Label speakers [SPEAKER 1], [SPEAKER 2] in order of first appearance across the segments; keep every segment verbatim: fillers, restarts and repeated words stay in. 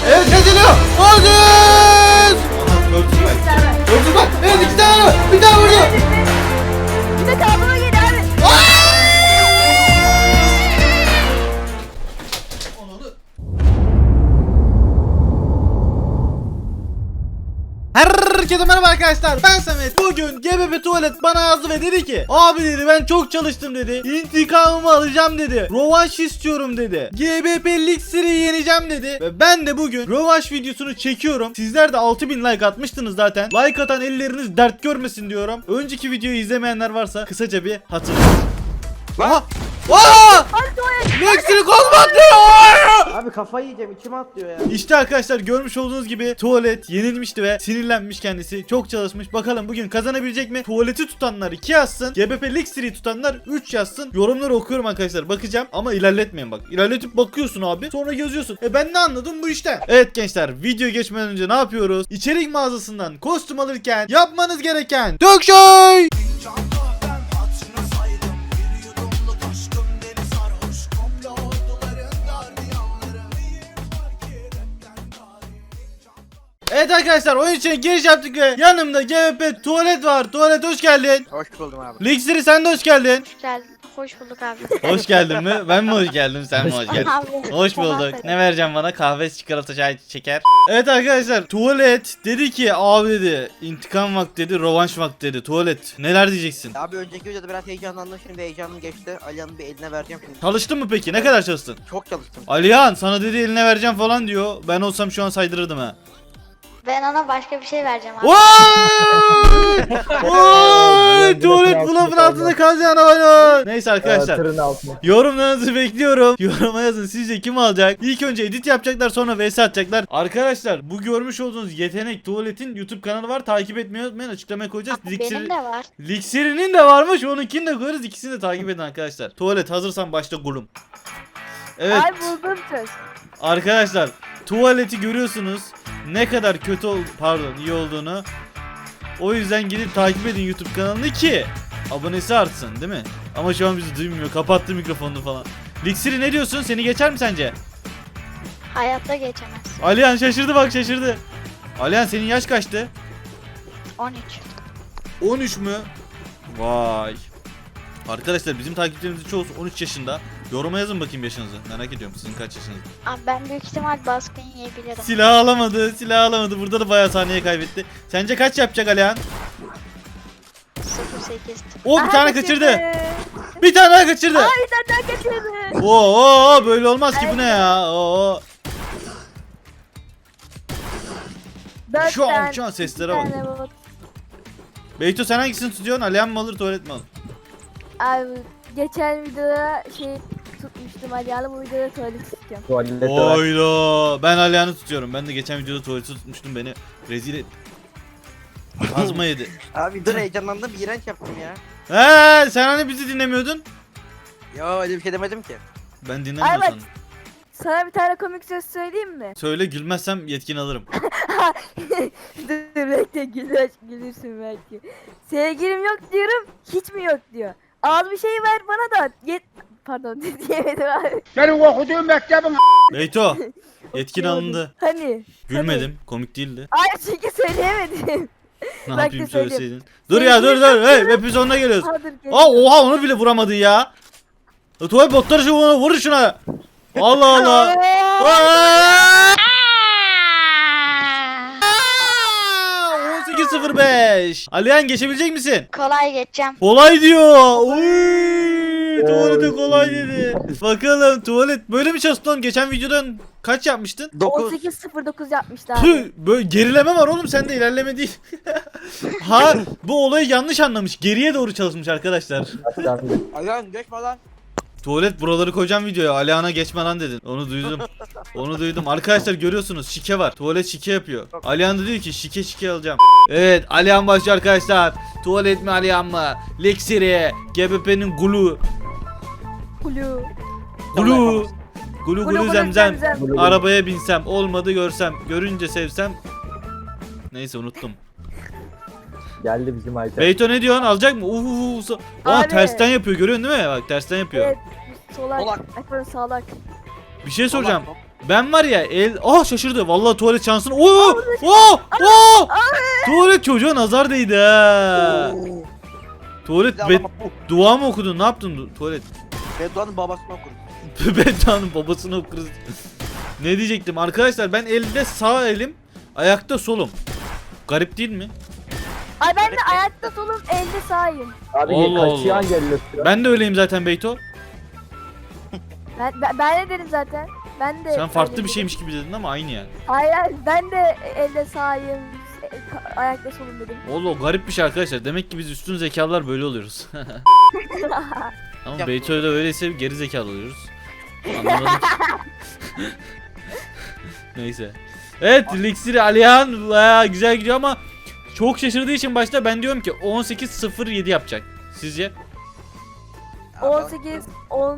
[SPEAKER 1] Evet kazanıyor. Aziz. Örtüsü var. Örtüsü var. Evet iki tane var. Bir tane vurdu.
[SPEAKER 2] Bir de kavgama gel abi.
[SPEAKER 1] Herkese merhaba arkadaşlar, ben Samet. Bugün G B P Tuvalet bana yazdı ve dedi ki abi dedi ben çok çalıştım dedi, İntikamımı alacağım dedi, rövanş istiyorum dedi, G B P Lixiry'i yeneceğim dedi. Ve ben de bugün rövanş videosunu çekiyorum. Sizler de altı bin like atmıştınız zaten. Like atan elleriniz dert görmesin diyorum. Önceki videoyu izlemeyenler varsa kısaca bir hatırlayın. Aha! Aa! Lixiry kozmattı!
[SPEAKER 3] Abi kafayı yiyeceğim, içime atlıyor ya.
[SPEAKER 1] İşte arkadaşlar görmüş olduğunuz gibi Tuvalet yenilmişti ve sinirlenmiş kendisi. Çok çalışmış. Bakalım bugün kazanabilecek mi? Tuvaleti tutanlar iki yazsın. G B P Lixiry'i tutanlar üç yazsın. Yorumları okuyorum arkadaşlar. Bakacağım ama ilerletmeyin bak. İlerletip bakıyorsun abi. Sonra yazıyorsun. E ben ne anladım bu işten? Evet gençler, video geçmeden önce ne yapıyoruz? İçerik mağazasından kostüm alırken yapmanız gereken dök şey. Evet arkadaşlar, oyun içine giriş yaptık ve yanımda G B P Tuvalet var. Tuvalet hoş geldin.
[SPEAKER 3] Hoş buldum abi.
[SPEAKER 1] Lixiry sen de hoş geldin.
[SPEAKER 2] Geldin. Hoş bulduk abi.
[SPEAKER 1] Hoş geldin mi? Ben mi hoş geldim, sen mi hoş geldin?
[SPEAKER 2] Abi,
[SPEAKER 1] Hoş bulduk. Ne vereceğim bana? Kahve, çikolata, çay, şeker. Evet arkadaşlar, Tuvalet dedi ki abi dedi intikam vakti dedi, rövanş vakti dedi. Tuvalet neler diyeceksin?
[SPEAKER 3] Abi önceki videoda biraz heyecanlandım, şimdi heyecanım geçti. Alihan'ın bir eline vereceğim şimdi.
[SPEAKER 1] Çalıştın mı peki? Ne kadar çalıştın?
[SPEAKER 3] Çok çalıştım.
[SPEAKER 1] Alihan sana dedi eline vereceğim falan diyor. Ben olsam şu an saydırırdım ha.
[SPEAKER 2] Ben ona başka bir şey vereceğim abi.
[SPEAKER 1] Vay! Vay! Tuvalet bluf'un altında kalacağını oynuyor. Neyse arkadaşlar.
[SPEAKER 4] Tırın altına.
[SPEAKER 1] Yorumlarınızı bekliyorum. Yoruma yazın sizce kim alacak? İlk önce edit yapacaklar, sonra vs atacaklar. Arkadaşlar bu görmüş olduğunuz yetenek Tuvalet'in YouTube kanalı var. Takip etmeyi unutmayın. Açıklamaya koyacağız.
[SPEAKER 2] Abi, benim de var.
[SPEAKER 1] Lixiry'nin de varmış. Onunkini de koyarız. İkisini de takip edin arkadaşlar. Tuvalet hazırsan başla gulum. Evet.
[SPEAKER 2] Ay buldum söz.
[SPEAKER 1] Arkadaşlar Tuvalet'i görüyorsunuz. Ne kadar kötü ol pardon iyi olduğunu. O yüzden gidip takip edin YouTube kanalını ki abonesi artsın değil mi? Ama şu an bizi duymuyor. Kapattı mikrofonunu falan. Lixiry ne diyorsun? Seni geçer mi sence?
[SPEAKER 2] Hayatta geçemez.
[SPEAKER 1] Alihan şaşırdı bak şaşırdı. Alihan senin yaş kaçtı?
[SPEAKER 2] on üç.
[SPEAKER 1] on üç mü? Vay. Arkadaşlar bizim takipçilerimizin çoğusu on üç yaşında. Yoruma yazın bakayım yaşınızı. Merak ediyorum sizin kaç yaşınız.
[SPEAKER 2] Abi ben büyük ihtimal baskın yiyebilirim.
[SPEAKER 1] Silah alamadı, silah alamadı. Burada da bayağı saniye kaybetti. Sence kaç yapacak Alihan?
[SPEAKER 2] sıfır sekiz.
[SPEAKER 1] O bir
[SPEAKER 2] Aha,
[SPEAKER 1] tane kaçırdı. Bir tane daha kaçırdı.
[SPEAKER 2] Aa, bir tane daha kaçırdı.
[SPEAKER 1] Oo böyle olmaz ki, bu ne ya? Oo.
[SPEAKER 2] Dört
[SPEAKER 1] Şu an
[SPEAKER 2] tane-
[SPEAKER 1] şu an
[SPEAKER 2] bir
[SPEAKER 1] seslere bak.
[SPEAKER 2] tane bot.
[SPEAKER 1] Beyto sen hangisini tutuyorsun? Alihan mı alır, Tuvalet mi alır?
[SPEAKER 5] Abi geçen videoda şey tutmuştum Alihan'ı, bu videoda tuvalet tutacağım.
[SPEAKER 4] Tuvalette var.
[SPEAKER 1] Oyla. Ben Alihan'ı tutuyorum. Ben de geçen videoda Tuvalet'i tutmuştum, beni rezil et. Azma yedi.
[SPEAKER 3] Abi dur, heyecanlandım, iğrenç yaptım ya.
[SPEAKER 1] He sen hani bizi dinlemiyordun?
[SPEAKER 3] Yo öyle bir şey demedim ki.
[SPEAKER 1] Ben
[SPEAKER 5] Ay
[SPEAKER 1] dinlemiyorum
[SPEAKER 5] bak.
[SPEAKER 1] sandım.
[SPEAKER 5] Sana bir tane komik söz söyleyeyim mi?
[SPEAKER 1] Söyle, gülmezsem yetkin alırım.
[SPEAKER 5] Dur bekle, gülür, gülürsün belki. Sevgilim yok diyorum, hiç mi yok diyor. Az bir şey ver bana da yet... Pardon diyemedim abi.
[SPEAKER 4] Senin okuduğun mektebin
[SPEAKER 1] Beyto yetkin alındı.
[SPEAKER 5] Hani?
[SPEAKER 1] Gülmedim. Komik değildi.
[SPEAKER 5] Ay çünkü söyleyemedim.
[SPEAKER 1] Ne
[SPEAKER 5] Bak
[SPEAKER 1] yapayım
[SPEAKER 5] da söyleyeyim.
[SPEAKER 1] söyleseydin. Dur ya dur dur. Hey hepimiz sonuna geliyoruz.
[SPEAKER 5] Ha, dur, gel.
[SPEAKER 1] Aa oha onu bile vuramadın ya. E, Tuvalet botları şu ona vur şuna. Allah Allah. Aa! on sekiz sıfır beş. Alihan geçebilecek misin?
[SPEAKER 2] Kolay geçeceğim.
[SPEAKER 1] Kolay diyor. Uy, tuvalete kolay dedi. Bakalım Tuvalet böyle mi çalıştın oğlum? Geçen videodan kaç yapmıştın?
[SPEAKER 5] on
[SPEAKER 3] dokuz.
[SPEAKER 5] sekiz sıfır dokuz yapmışlar abi.
[SPEAKER 1] Tüh, böyle gerileme var oğlum, sende ilerleme değil. Ha bu olayı yanlış anlamış. Geriye doğru çalışmış arkadaşlar.
[SPEAKER 3] Alihan geçme lan.
[SPEAKER 1] Tuvalet buraları koyacağım videoya. Alihan'a geçme lan dedin. Onu duydum. Onu duydum. Arkadaşlar görüyorsunuz şike var. Tuvalet şike yapıyor. Alihan da diyor ki şike şike alacağım. Evet Alihan başlıyor arkadaşlar. Tuvalet mi Alihan mı? Lixiry, G B P'nin gulu.
[SPEAKER 5] Kulu.
[SPEAKER 1] Gulu. Gulu
[SPEAKER 5] Gulu
[SPEAKER 1] gulu
[SPEAKER 5] gulu
[SPEAKER 1] zemzem.
[SPEAKER 5] zemzem.
[SPEAKER 1] Arabaya binsem, olmadı görsem, görünce sevsem. Neyse unuttum.
[SPEAKER 4] geldi bizim Ayten.
[SPEAKER 1] Beyto ne diyorsun? Alacak mı? Uuu. Aa
[SPEAKER 5] Abi.
[SPEAKER 1] tersten yapıyor, görüyorsun değil mi? Bak tersten yapıyor.
[SPEAKER 5] Evet, solak.
[SPEAKER 3] Solak.
[SPEAKER 5] Ay pardon, sağlak.
[SPEAKER 1] Bir şey soracağım. Ben var ya el... Ah şaşırdı. Vallahi tuvalet şansını... Oo! Oo! Oo! Tuvalet çocuğa nazar değdi ha.
[SPEAKER 3] Oo.
[SPEAKER 1] Tuvalet
[SPEAKER 3] Bir de
[SPEAKER 1] be...
[SPEAKER 3] ama bu
[SPEAKER 1] dua mı okudun? Ne yaptın du- tuvalet?
[SPEAKER 3] Bedduanın babasını okur.
[SPEAKER 1] Bedduanın babasını okuruz. Ne diyecektim arkadaşlar, ben elde sağ elim, ayakta solum. Garip değil mi?
[SPEAKER 5] Ay ben de ayakta solum elde sağıyım.
[SPEAKER 4] Abi
[SPEAKER 1] Allah Allah.
[SPEAKER 4] kaçıyan geliyor.
[SPEAKER 1] Ben de öyleyim zaten Beyto.
[SPEAKER 5] Ben, ben, ben de dedim zaten. Ben de
[SPEAKER 1] Sen farklı
[SPEAKER 5] öyle
[SPEAKER 1] bir
[SPEAKER 5] dedim.
[SPEAKER 1] şeymiş gibi dedin ama aynı yani.
[SPEAKER 5] Hayır hayır, ben de elde sağıyım. e, Ayakta solum dedim.
[SPEAKER 1] Oğlum garip bir şey arkadaşlar. Demek ki biz üstün zekalılar böyle oluyoruz. Ama
[SPEAKER 3] Ya-
[SPEAKER 1] Beyto'da öyleyse geri zekalı oluyoruz. Anlamadım. Neyse. Evet, Liksiri Alihan bayağı güzel gidiyor ama çok şaşırdığı için başta ben diyorum ki on sekiz sıfır yedi yapacak. Sizce?
[SPEAKER 5] on sekiz on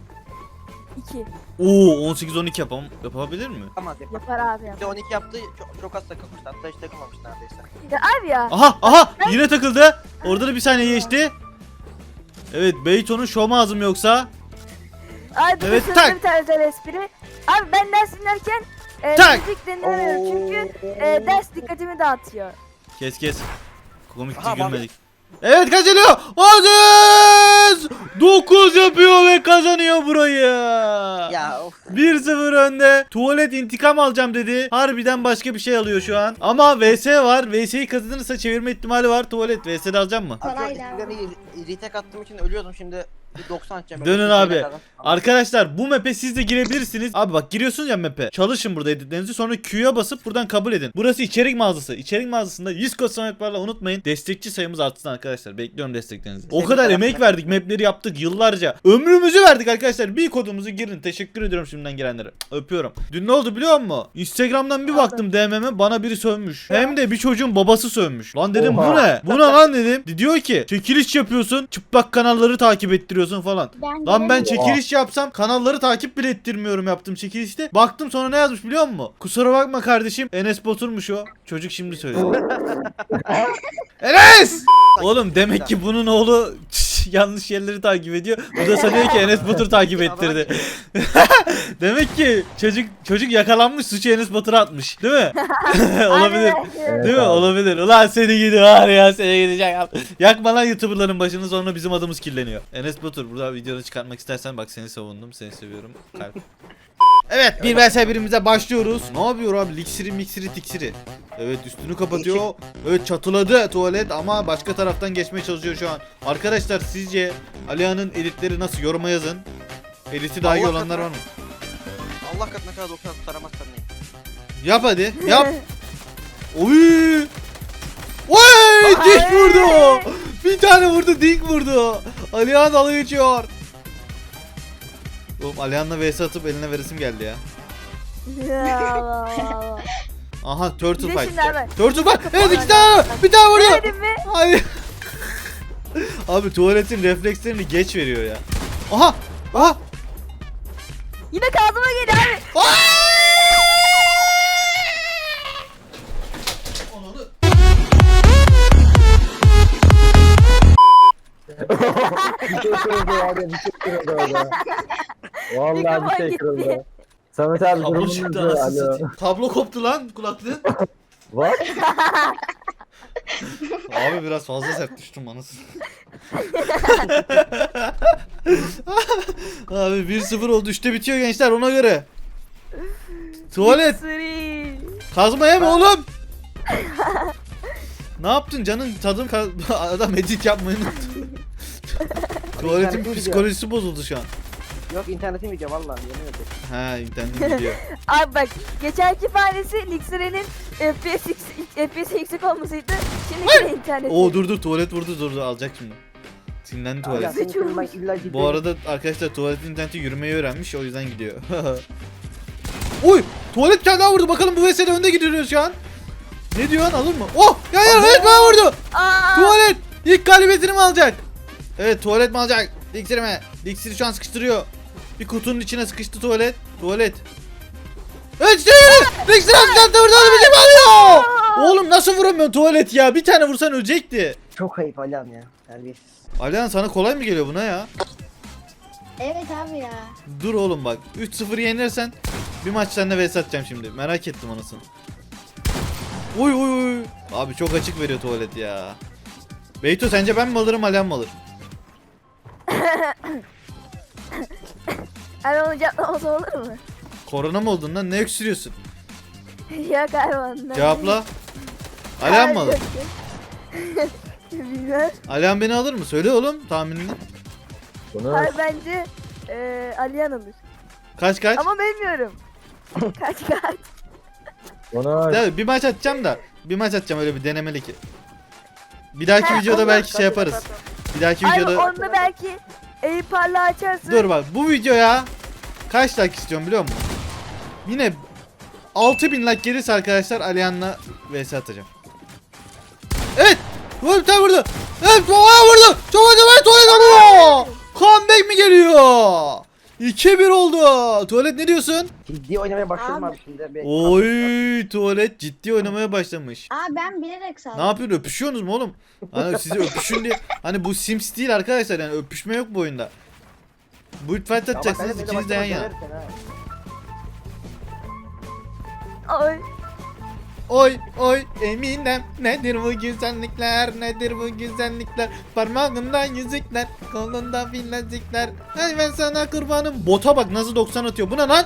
[SPEAKER 5] iki
[SPEAKER 1] Oo on sekiz on iki yapam yapabilir mi?
[SPEAKER 3] Yapamaz yapamaz.
[SPEAKER 5] yapar abi
[SPEAKER 3] Bir
[SPEAKER 5] yapar.
[SPEAKER 3] de on iki yaptı, çok, çok az takılmıştı. Hatta hiç takılmamış neredeyse.
[SPEAKER 5] Ya abi ya.
[SPEAKER 1] Aha aha yine takıldı. Orada da bir saniye geçti. Evet, Beyto'nun şom ağzım yoksa.
[SPEAKER 5] Abi bir
[SPEAKER 1] Evet,
[SPEAKER 5] evet,
[SPEAKER 1] tak.
[SPEAKER 5] bir tane özel espri. Abi ben ders dinlerken e,
[SPEAKER 1] Tak.
[SPEAKER 5] müzik dinlemiyorum çünkü e, ders dikkatimi dağıtıyor.
[SPEAKER 1] Kes kes. Komikti,
[SPEAKER 3] Aha,
[SPEAKER 1] gülmedik. Evet, kazanıyor. Aziz dokuz yapıyor ve kazanıyor burayı.
[SPEAKER 3] Ya of.
[SPEAKER 1] bir sıfır önde. Tuvalet intikam alacağım dedi. Harbiden başka bir şey alıyor şu an. Ama V S var. V S'yi kazanırsa çevirme ihtimali var. Tuvalet V S'de alacağım mı?
[SPEAKER 3] Abi
[SPEAKER 2] Kolay
[SPEAKER 3] şu retake attığım için ölüyordum, şimdi bir doksan atacağım.
[SPEAKER 1] Dönün
[SPEAKER 3] Böyle
[SPEAKER 1] abi.
[SPEAKER 3] bir şeyler.
[SPEAKER 1] Arkadaşlar bu map'e siz de girebilirsiniz. Abi bak, giriyorsunuz ya map'e. Çalışın burada editlerinizi, sonra Q'ya basıp buradan kabul edin. Burası içerik mağazası. İçerik mağazasında yüz kod sametlerle unutmayın. Destekçi sayımız artsın arkadaşlar. Bekliyorum desteklerinizi. O kadar emek verdik. Map'leri yaptık yıllarca. Ömrümüzü verdik arkadaşlar. Bir kodumuzu girin. Teşekkür ediyorum şimdiden girenlere. Öpüyorum. Dün ne oldu biliyor musun? Instagram'dan bir baktım D M'me, bana biri sövmüş. Hem de bir çocuğun babası sövmüş. Lan dedim bu
[SPEAKER 4] Oha.
[SPEAKER 1] ne? Bu ne lan dedim. Diyor ki çekiliş yapıyorsun. Çıplak kanalları takip ettiriyorsun falan.
[SPEAKER 2] Ben
[SPEAKER 1] Lan ben
[SPEAKER 2] giremedim.
[SPEAKER 1] çekiliş yapsam kanalları takip bile ettirmiyorum yaptığım çekilişte. Baktım sonra ne yazmış biliyor musun? Kusura bakma kardeşim, Enes Batur'muş o. Çocuk şimdi söyledi. Enes! Oğlum demek ki bunun oğlu yanlış yerleri takip ediyor. Bu da sanıyor ki Enes Batur takip ettirdi. Demek ki çocuk çocuk yakalanmış, suçu Enes Batur'a atmış. Değil mi? Olabilir.
[SPEAKER 5] Aynen.
[SPEAKER 1] Değil mi? Olabilir. Ulan seni gidi var ya, seni gidecek. Yakma lan YouTuber'ların başını, sonra bizim adımız kirleniyor. Enes Batur, burada videonu çıkartmak istersen bak, seni savundum. Seni seviyorum. Kalp. Evet, bir vs birimize başlıyoruz. Ne yapıyor abi? Liksiri miksiri tiksiri. Evet, üstünü kapatıyor. Evet, çatıladı tuvalet ama başka taraftan geçmeye çalışıyor şu an. Arkadaşlar sizce Alihan'ın editleri nasıl? Yoruma yazın. Editi daha iyi
[SPEAKER 3] Allah
[SPEAKER 1] olanlar var mı?
[SPEAKER 3] Allah katına kadar doksan tutaramazsan neyim?
[SPEAKER 1] Yap hadi. Yap. Oy! Oy! Dik vurdu. Bir tane vurdu, dik vurdu. Alihan dalga geçiyor. Oğlum Alihan'la vs atıp eline veresim geldi ya.
[SPEAKER 5] Ya Allah Allah.
[SPEAKER 1] Aha, turtle
[SPEAKER 5] Bir de
[SPEAKER 1] fight.
[SPEAKER 5] şimdi abi.
[SPEAKER 1] Turtle fight. Evet, iki tane. Bir tane vurdu.
[SPEAKER 5] Demedim mi?
[SPEAKER 1] Hayır. Abi tuvaletin reflekslerini geç veriyor ya. Aha! Aha!
[SPEAKER 5] Yine kazıma geliyor abi.
[SPEAKER 4] Bir şey kırıldı abi, bir şey kırıldı orada. Vallahi bir
[SPEAKER 5] Mikrofon
[SPEAKER 4] şey
[SPEAKER 5] gitti.
[SPEAKER 4] kırıldı. Samet abi
[SPEAKER 1] Kablo
[SPEAKER 4] durumun
[SPEAKER 1] çıktı,
[SPEAKER 4] nasıl?
[SPEAKER 1] anasını
[SPEAKER 4] Alo.
[SPEAKER 1] satayım. Kablo koptu lan kulaklığın.
[SPEAKER 4] What?
[SPEAKER 1] Abi biraz fazla sert düştüm anasını. Abi bir sıfır oldu, üçte bitiyor gençler, ona göre. Tuvalet
[SPEAKER 5] Sırı.
[SPEAKER 1] kazma yeme oğlum. Ne yaptın canın, tadım ka- adam edit yapmayı unuttu. Tuvaletin
[SPEAKER 3] internetim
[SPEAKER 1] psikolojisi bozuldu şu an.
[SPEAKER 3] Yok, internetim gidiyor vallahi, yemin ederim.
[SPEAKER 1] Ha, internetim gidiyor.
[SPEAKER 5] Abi bak geçenki fanesi Lixire'nin F P S F P S yüksek olmasıydı. Şimdi yine internet.
[SPEAKER 1] Oo dur dur, tuvalet vurdu, dur dur, alacak şimdi. Sinirlendi
[SPEAKER 3] Ya
[SPEAKER 1] tuvalet.
[SPEAKER 3] senin için ben illa ciddi.
[SPEAKER 1] Bu arada arkadaşlar tuvaletin interneti yürümeyi öğrenmiş, o yüzden gidiyor. Oy! Tuvalet kendi vurdu, bakalım bu vesile önde gidiyoruz şu an. Ne diyorsun, alır mı? Oh! Ya ya, evet bana vurdu.
[SPEAKER 5] Aa,
[SPEAKER 1] Tuvalet ilk galibiyetini mi alacak? Evet, tuvalet mi alacak? Liksiri mi? Liksiri şu an sıkıştırıyor. Bir kutunun içine sıkıştı tuvalet. Tuvalet. Evet işte Liksiri sıkıştırdı, vurdu, onu bizim alıyor. Oğlum nasıl vuramıyorsun tuvalet ya? Bir tane vursan ölecekti.
[SPEAKER 3] Çok ayıp Alihan ya. Terbiyesiz.
[SPEAKER 1] Alihan, sana kolay mı geliyor buna ya?
[SPEAKER 2] Evet abi ya.
[SPEAKER 1] Dur oğlum bak. üç sıfır yenirsen bir maç seninle vs atacağım şimdi. Merak ettim anasını. Uy uy uy. Abi çok açık veriyor tuvalet ya. Beyto sence ben mi alırım Alihan mı alır?
[SPEAKER 5] Hani onu cevaplaması olur mu?
[SPEAKER 1] Korona mı oldun lan? Ne öksürüyorsun?
[SPEAKER 5] Yok abi ondan.
[SPEAKER 1] Cevapla. Alihan mı alır?
[SPEAKER 5] Bilmem.
[SPEAKER 1] Alihan beni alır mı? Söyle oğlum tahminini.
[SPEAKER 4] Bunu
[SPEAKER 5] Abi bence eee Aliyan alır.
[SPEAKER 1] Kaç kaç?
[SPEAKER 5] Ama bilmiyorum. kaç kaç.
[SPEAKER 4] bunu
[SPEAKER 1] Ya, bir maç atacağım da. Bir maç atacağım öyle bir denemelik. Bir dahaki videoda belki şey yaparız. Bir dahaki
[SPEAKER 5] Abi
[SPEAKER 1] videoda.
[SPEAKER 5] onda belki Eyüp parla açarsın.
[SPEAKER 1] Dur bak bu videoya kaç like istiyorum biliyor musun? Yine altı bin like gelirse arkadaşlar Alihan'la vs atacağım. Evet. Vur bir tane vurdu. Evet Tuvalet vurdu. Tuvalet tuvalet tuvalet vuruyor. Comeback mi geliyor? iki bir oldu. Tuvalet ne diyorsun?
[SPEAKER 3] Ciddi oynamaya başladım
[SPEAKER 2] Abi.
[SPEAKER 3] abi şimdi. Bir-
[SPEAKER 1] Oy tuvalet ciddi oynamaya başlamış.
[SPEAKER 2] Aa ben bilerek saldım.
[SPEAKER 1] Ne yapıyorsun öpüşüyorsunuz mu oğlum? Hani sizi öpüşün diye. Hani bu Sims değil arkadaşlar yani öpüşme yok bu oyunda. Build fight
[SPEAKER 3] Ya bak,
[SPEAKER 1] atacaksınız
[SPEAKER 3] hadi,
[SPEAKER 1] ikiniz de yan
[SPEAKER 3] hadi,
[SPEAKER 1] yana.
[SPEAKER 3] hadi, hadi.
[SPEAKER 5] Ay.
[SPEAKER 1] Oy oy Eminem nedir bu güzellikler nedir bu güzellikler parmağında yüzükler kolunda bilezikler ay ben sana kurbanım. Bota bak nasıl doksan atıyor bu ne lan?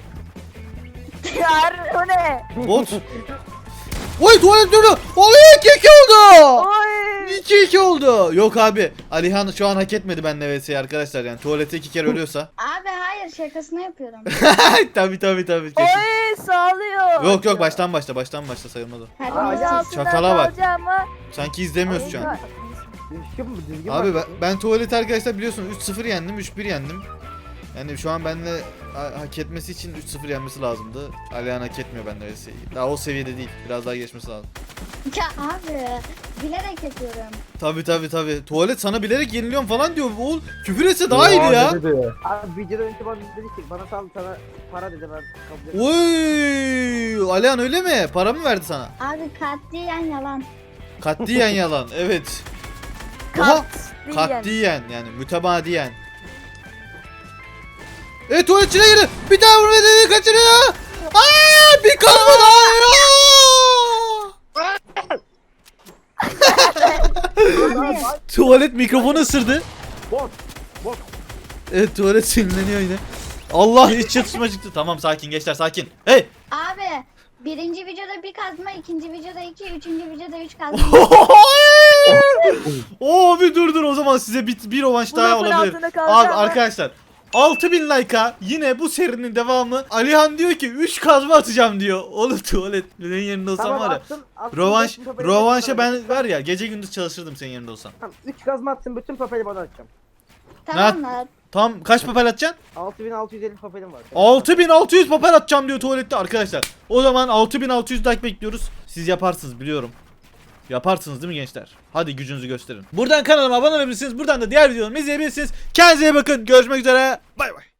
[SPEAKER 5] Yar o ne?
[SPEAKER 1] Bot. Oy tuvalet durdu. Oy iki iki oldu.
[SPEAKER 5] Oy.
[SPEAKER 1] iki iki oldu. Yok abi Alihan şu an hak etmedi benimle vs arkadaşlar yani tuvalete iki kere ölüyorsa.
[SPEAKER 2] Abi hayır şakasını yapıyorum.
[SPEAKER 1] tabi tabi tabi kesin.
[SPEAKER 5] Oy sağlıyor.
[SPEAKER 1] Yok yok baştan başla baştan başla sayılmaz o.
[SPEAKER 2] Hadi
[SPEAKER 3] Aa,
[SPEAKER 2] neyse.
[SPEAKER 3] ya.
[SPEAKER 5] Altından
[SPEAKER 1] Çakala bak.
[SPEAKER 5] kalacağım ama-
[SPEAKER 1] Sanki izlemiyoruz şu an.
[SPEAKER 3] Düzgün mü? Düzgün
[SPEAKER 1] Abi ben,
[SPEAKER 3] bak.
[SPEAKER 1] ben tuvaleti arkadaşlar biliyorsunuz üç sıfır yendim üç bir yendim. Yani şu an benimle ha- hak etmesi için üç sıfır yenmesi lazımdı. Alihan hak etmiyor bende öyle şey. Daha o seviyede değil. Biraz daha geçmesi lazım.
[SPEAKER 2] Ya abi bilerek yapıyorum.
[SPEAKER 1] Tabi tabi tabi. Tuvalet sana bilerek yeniliyorum falan diyor. Oğul küfür etse daha iyiydi ya.
[SPEAKER 4] Ne dedi?
[SPEAKER 3] Abi videoda önce bana dedi ki bana sal sana para dedi ben kabul ettim.
[SPEAKER 1] Oy! Alihan öyle mi? Para mı verdi sana?
[SPEAKER 2] Abi katliyen yalan.
[SPEAKER 1] Katliyen yalan. Evet. Oha!
[SPEAKER 5] Kat.
[SPEAKER 1] Katliyen yani mütebadiyen. Evet tuvalet içine girdi. Bir daha vurma dedi kaçırıyor. Aa bir kazma daha.
[SPEAKER 2] Abi
[SPEAKER 1] Tuvalet mikrofonu ısırdı.
[SPEAKER 3] Bot. Bot.
[SPEAKER 1] Evet tuvalet sinirleniyor yine. Allah hiç çatışma çıktı. Tamam sakin gençler sakin. Hey.
[SPEAKER 2] abi birinci videoda bir kazma, ikinci videoda iki, üçüncü videoda üç kazma.
[SPEAKER 1] Oo bir dur dur o zaman size bir, bir rövanş
[SPEAKER 5] Bu
[SPEAKER 1] daha
[SPEAKER 5] lafın
[SPEAKER 1] olabilir.
[SPEAKER 5] altında kalacağım
[SPEAKER 1] Abi
[SPEAKER 5] ben.
[SPEAKER 1] arkadaşlar altı bin like'a yine bu serinin devamı. Alihan diyor ki üç kazma atacağım diyor. Oğlum tuvalet benim yerinde olsam
[SPEAKER 3] Tamam
[SPEAKER 1] var ya.
[SPEAKER 3] attım. attım,
[SPEAKER 1] Rövanş,
[SPEAKER 3] bütün papeli
[SPEAKER 1] rövanşa
[SPEAKER 3] bana
[SPEAKER 1] ben
[SPEAKER 3] atacağım.
[SPEAKER 1] var ya gece gündüz çalışırdım senin yerinde olsam.
[SPEAKER 3] Tamam üç gazma attım bütün papeli bana atacağım.
[SPEAKER 2] Tamam mı?
[SPEAKER 1] Tam kaç papel atacaksın?
[SPEAKER 3] altı bin altı yüz elli papelim var.
[SPEAKER 1] altı bin altı yüz papel atacağım diyor tuvalette arkadaşlar. O zaman altı bin altı yüz like bekliyoruz. Siz yaparsınız biliyorum. Yaparsınız değil mi gençler? Hadi gücünüzü gösterin. Buradan kanalıma abone olabilirsiniz. Buradan da diğer videolarımı izleyebilirsiniz. Kendinize iyi bakın. Görüşmek üzere. Bay bay.